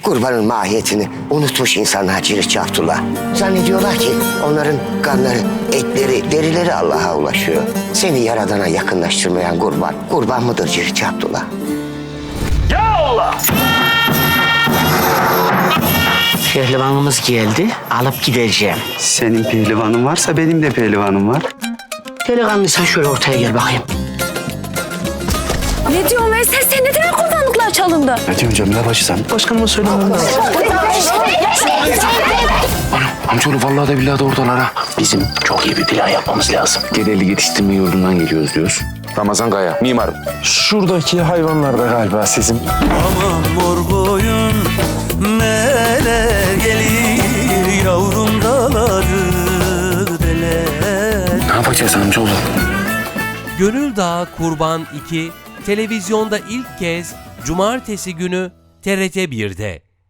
Kurbanın mahiyetini unutmuş insanlar Ciritçi Abdullah. Zannediyorlar ki onların kanları, etleri, derileri Allah'a ulaşıyor. Seni Yaradan'a yakınlaştırmayan kurban, kurban mıdır Ciritçi Abdullah? Ya Allah! Pehlivanımız geldi, alıp gideceğim. Senin pehlivanın varsa benim de pehlivanım var. Delikanlıysan şöyle ortaya gel bakayım. Ne diyorsun Veysel? Sen ne demek kurbanlıklar çalındı? Ne diyorsun Cemile bacı sen? Başkanıma söylemem lazım. Amcaoğlu vallahi de billahi de oradalar ha. Bizim çok iyi bir plan yapmamız lazım. Geleli yetiştirme yurdundan geliyoruz diyoruz. Ramazan Kaya, mimarım. Şuradaki hayvanlar da galiba sizin. Aman mor boyun neler gelir yavrum dağları deler. Ne yapacağız amcaoğlu? Gönül Dağı Kurban 2 televizyonda ilk kez Cumartesi günü TRT 1'de.